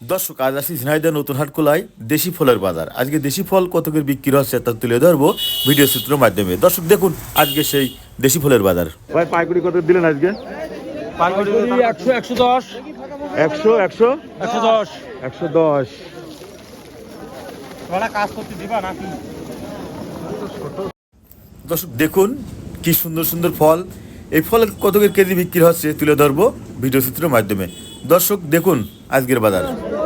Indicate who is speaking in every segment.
Speaker 1: দর্শক আজ আসি ঝিনাইদহ নতুন হাটখোলায় দেশি ফলের বাজার। আজকে দেশি ফল কত করে বিক্রি হচ্ছে তা তুলে ধরবো ভিডিও চিত্রের মাধ্যমে। দর্শক দেখুন আজকে সেই দেশি ফলের বাজার। ভাই পাইকারি কত দিলেন আজকে?
Speaker 2: পাইকারি 100 110
Speaker 1: 100 100
Speaker 2: 110
Speaker 1: 110।
Speaker 2: ওরা কাজ করতে দিবা নাকি?
Speaker 1: দর্শক দেখুন কি সুন্দর সুন্দর ফল। এই ফল কত করে কেজি বিক্রি হচ্ছে তুলে ধরবো ভিডিও চিত্রের মাধ্যমে। দর্শক দেখুন আজকের বাজার।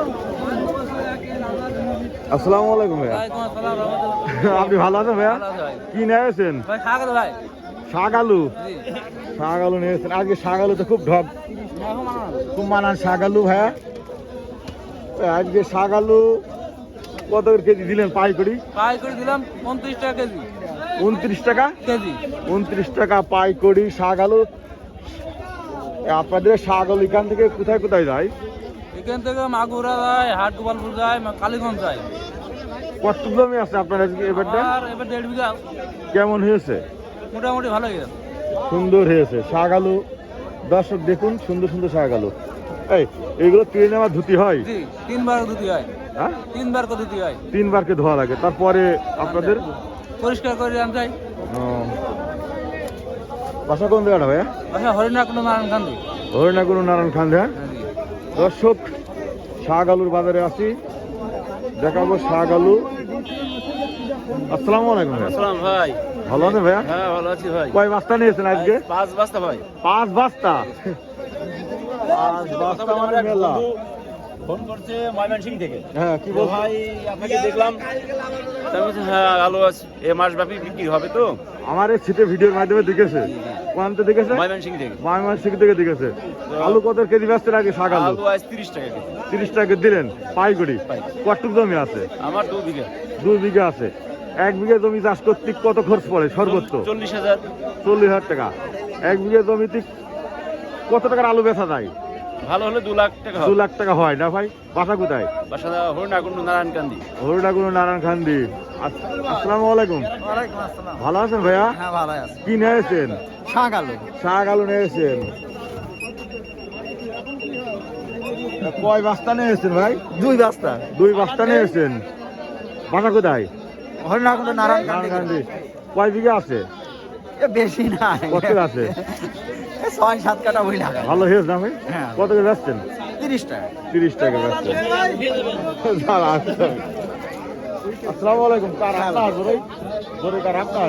Speaker 1: আসসালামু আলাইকুম ভাইয়া। আপনি ভালো আছেন ভাইয়া? কি নিয়েছেন? শাক আলু। শাক আলু নিয়েছেন আজকে? শাক আলু তো খুব ঢপ, খুব মানান শাক আলু ভাইয়া। আজকে শাক আলু কত করে কেজি দিলেন পাইকারি?
Speaker 2: পাইকারি দিলাম 29 টাকা কেজি।
Speaker 1: 29 টাকা
Speaker 2: কেজি
Speaker 1: 29 টাকা পাইকারি শাক আলু। আপনাদের শাক আলু এখান থেকে কোথায় কোথায় যায়?
Speaker 2: এখান থেকে মাগুরা যায়, হাট গোপালপুর যায়, কালীগঞ্জ যায়।
Speaker 1: কত জমি আছে আপনার আজকে এবারটা?
Speaker 2: আর এবার 1.5 বিঘা।
Speaker 1: কেমন হয়েছে?
Speaker 2: মোটামুটি ভালো গেছে।
Speaker 1: সুন্দর হয়েছে শাক আলু। দর্শক দেখুন সুন্দর সুন্দর শাক আলু। এইগুলো তুলে নেওয়া ধুতি হয়?
Speaker 2: জি, 3 বার ধুতি হয়।
Speaker 1: হ্যাঁ
Speaker 2: 3 বার করে ধুতি হয়।
Speaker 1: 3 বারকে ধোয়া লাগে, তারপরে আপনাদের
Speaker 2: পরিষ্কার করে আন যায়।
Speaker 1: বাসা কোন জায়গাটা ভাইয়া?
Speaker 2: আচ্ছা, হরিণাকুণ্ড নারায়ণ গান্ধী।
Speaker 1: হরিণাকুণ্ড নারায়ণ খান। হ্যাঁ দর্শক শাক আলুর বাজারে আছি, দেখাবো শাক আলু। আসসালামু আলাইকুম ভাইয়া।
Speaker 2: আসসালাম ভাই।
Speaker 1: ভালো আছেন ভাইয়া?
Speaker 2: হ্যাঁ ভালো আছি ভাই।
Speaker 1: কয় বস্তা নিয়েছেন আজকে?
Speaker 2: 5 বস্তা ভাই।
Speaker 1: 5 বস্তা। 5 বস্তা মানে মেলা।
Speaker 2: ফোন করছে ময়মনসিংহ থেকে।
Speaker 1: হ্যাঁ কি বল
Speaker 2: ভাই, আপনাকে দেখলাম। তারপর হ্যাঁ আলু আছে, এ মাস ব্যাপী বিক্রি হবে তো।
Speaker 1: আমার এই ছিটে ভিডিওর মাধ্যমে দেখেছে। কোয়ান্তে দেখেছে?
Speaker 2: ময়মনসিংহ থেকে।
Speaker 1: ময়মনসিংহ থেকে দেখেছে। আলু কত কেজি বেচতেন আগে শাক আলু?
Speaker 2: আলু আজ 30 টাকা কেজি।
Speaker 1: 30 টাকা দিলেন পাইকারি। কতটুকু জমি আছে?
Speaker 2: আমার 2 বিঘা।
Speaker 1: 2 বিঘা আছে। 1 বিঘা জমি চাষ করতে কত খরচ পড়ে সর্বোচ্চ?
Speaker 2: 40,000।
Speaker 1: 40,000 টাকা। 1 বিঘা জমিতে কত টাকার আলু বেচা যায়?
Speaker 2: ভালো হলে 2 লাখ টাকা
Speaker 1: 2 লাখ টাকা হয় না ভাই? বাসা কোথায়?
Speaker 2: বাসা হরিণাকুণ্ড নারায়ণ গান্ধী।
Speaker 1: হরিণাকুণ্ড নারায়ণ খান্দি। আসসালামু আলাইকুম।
Speaker 2: ওয়ালাইকুম আসসালাম।
Speaker 1: ভালো আছেন ভাইয়া?
Speaker 2: হ্যাঁ ভালো আছি।
Speaker 1: কি নিয়েছেন?
Speaker 2: শাক আলু।
Speaker 1: শাক আলু নিয়েছেন। কয় বস্তা নিয়েছেন ভাই?
Speaker 2: 2 বস্তা।
Speaker 1: 2 বস্তা নিয়েছেন। বাসা কোথায়?
Speaker 2: হরিণাকুণ্ড নারায়ণ
Speaker 1: নারায়ণ খান্দি। কয় বিঘা আছে?
Speaker 2: বেশি না।
Speaker 1: কত আছে?
Speaker 2: 6-7 কাটা বই না।
Speaker 1: ভালো হয়েছে না ভাই?
Speaker 2: হ্যাঁ।
Speaker 1: কত করে বেচছেন?
Speaker 2: 30 টাকা।
Speaker 1: 30 টাকা বেচছেন। দাঁড়া, আচ্ছা। আসসালামু আলাইকুম। কার আপনার? জোরে কার আপনার?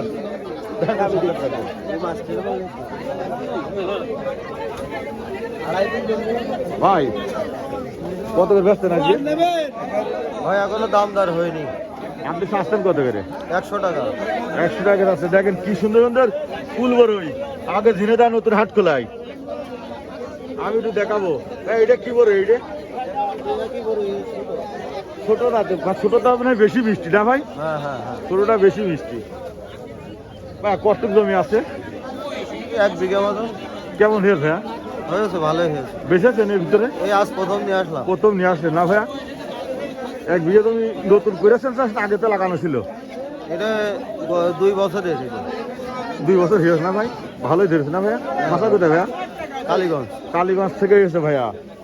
Speaker 1: ভাই কত করে বেচছেন আজকে?
Speaker 2: ভাই এখনো দাম দর হয়নি।
Speaker 1: আপনি চাচ্ছেন কত করে?
Speaker 2: 100 টাকা।
Speaker 1: 100 টাকা আছে। দেখেন কি সুন্দর সুন্দর ফুল বড়ই। আগে ঝিনাইদহ নতুন হাট খোলায়। আমি একটু দেখাবো। এটা কি বড়? এইটা ছোটটা তো, ছোটটা মানে বেশি মিষ্টি না ভাই?
Speaker 2: হ্যাঁ হ্যাঁ হ্যাঁ।
Speaker 1: ছোটটা বেশি মিষ্টি। ভাই কতটুকু জমি আছে?
Speaker 2: 1 বিঘা মতো।
Speaker 1: কেমন হয়েছে ভাইয়া?
Speaker 2: হয়েছে, ভালোই হয়েছে।
Speaker 1: বেঁচেছেন এর ভিতরে?
Speaker 2: এই আজ প্রথম নিয়ে আসলাম।
Speaker 1: প্রথম নিয়ে আসলেন না ভাইয়া? 1 বিঘা জমি নতুন করেছেন চাষ না আগে তো লাগানো ছিল?
Speaker 2: এটা 2 বছর এসেছিল।
Speaker 1: 2 বছর হয়েছে না ভাই? ভালোই ধরেছে না ভাইয়া? বাসা কোথায় ভাইয়া?
Speaker 2: কালীগঞ্জ।
Speaker 1: কালীগঞ্জ থেকে এসে ভাইয়া।